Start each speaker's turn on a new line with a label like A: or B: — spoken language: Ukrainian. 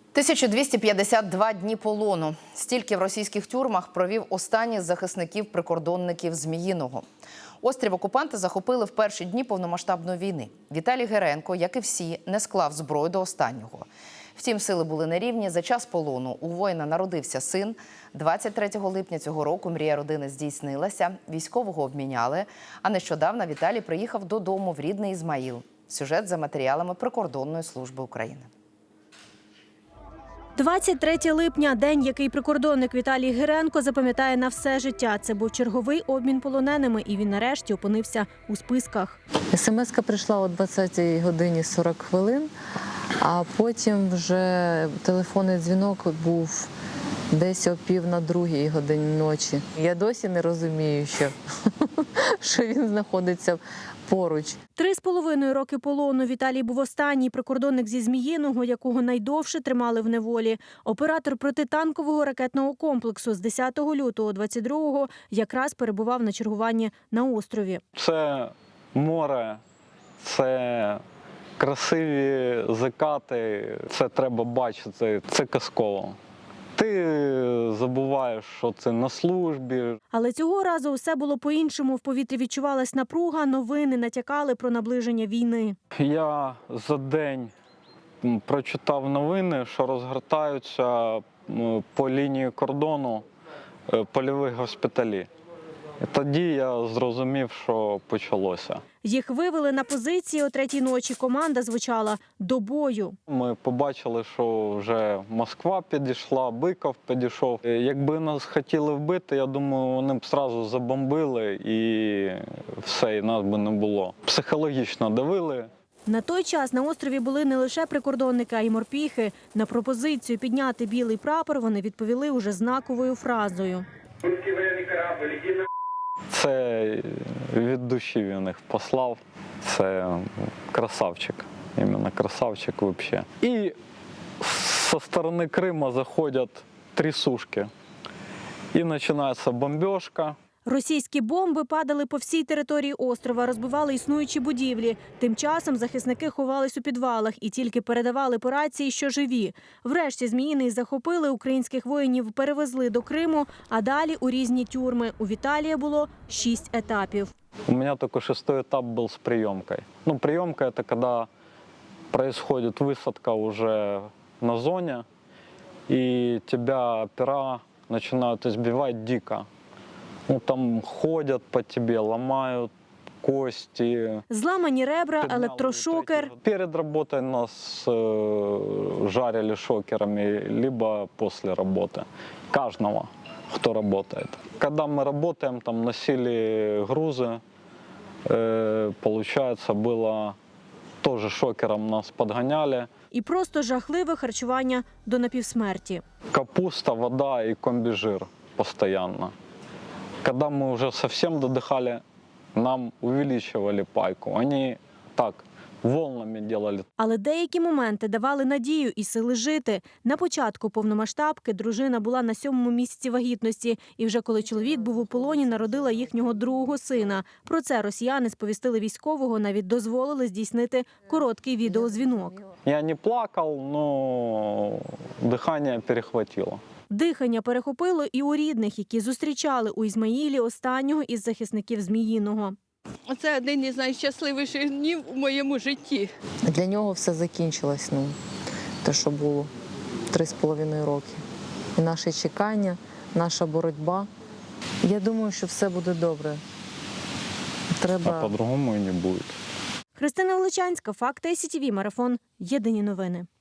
A: 1252 дні полону. Стільки в російських тюрмах провів останній з захисників-прикордонників Зміїного. Острів окупанти захопили в перші дні повномасштабної війни. Віталій Геренко, як і всі, не склав зброю до останнього. Втім, сили були нерівні. За час полону у воїна народився син. 23 липня цього року мрія родини здійснилася. Військового обміняли. А нещодавно Віталій приїхав додому в рідний Ізмаїл. Сюжет за матеріалами Прикордонної служби України.
B: 23 липня – день, який прикордонник Віталій Геренко запам'ятає на все життя. Це був черговий обмін полоненими, і він нарешті опинився у списках.
C: СМС-ка прийшла о 20 годині 40 хвилин, а потім вже телефонний дзвінок був десь о 1:45 ночі. Я досі не розумію, що він знаходиться поруч.
B: 3,5 роки полону. Віталій був останній прикордонник зі Зміїного, якого найдовше тримали в неволі. Оператор протитанкового ракетного комплексу з 10 лютого 22-го якраз перебував на чергуванні на острові.
D: Це море, це красиві закати, це треба бачити, це казково. Ти забуваєш, що це на службі.
B: Але цього разу усе було по-іншому. В повітрі відчувалась напруга, новини натякали про наближення війни.
D: Я за день прочитав новини, що розгортаються по лінії кордону польові госпіталі. І тоді я зрозумів, що почалося.
B: Їх вивели на позиції о 3-й ночі. Команда звучала «До бою».
D: Ми побачили, що вже Москва підійшла, Биков підійшов. Якби нас хотіли вбити, я думаю, вони б одразу забомбили і все, і нас би не було. Психологічно давили.
B: На той час на острові були не лише прикордонники, а й морпіхи. На пропозицію підняти білий прапор вони відповіли уже знаковою фразою.
D: Це від душі він їх послав. Це красавчик. Іменно красавчик взагалі. І зі сторони Криму заходять трясушки. І починається бомбіжка.
B: Російські бомби падали по всій території острова, розбивали існуючі будівлі. Тим часом захисники ховались у підвалах і тільки передавали по рації, що живі. Врешті Зміїний захопили, українських воїнів перевезли до Криму, а далі у різні тюрми. У Віталія було 6 етапів.
D: У меня только 6-й этап был с приемкой. Ну, приемка – это когда происходит высадка уже на зоне, и тебя опера начинают избивать дико. Ну, там ходят по тебе, ломают кости.
B: Зламані ребра, електрошокер.
D: Перед работой нас жарили шокерами, либо после работы. Каждого, кто работает. Когда мы работаем, там носили грузы, получается, было тоже шокером нас подгоняли.
B: І просто жахливе харчування до напівсмерті.
D: Капуста, вода и комбижир постоянно. Когда мы уже совсем додыхали, нам увеличивали пайку. Они так волнами делали.
B: Але деякі моменти давали надію і сили жити. На початку повномасштабки дружина була на 7-му місяці вагітності. І вже коли чоловік був у полоні, народила їхнього другого сина. Про це росіяни сповістили військового, навіть дозволили здійснити короткий відеодзвінок.
D: Я не плакал, но дыхание перехватило.
B: Дихання перехопило і у рідних, які зустрічали у Ізмаїлі останнього із захисників Зміїного.
E: Це один із найщасливіших днів у моєму житті.
C: Для нього все закінчилось, те, що було 3,5 роки. І наше чекання, наша боротьба. Я думаю, що все буде добре.
D: А по-другому і не буде.
B: Христина Величанська, Факти СІТВ, Марафон. Єдині новини.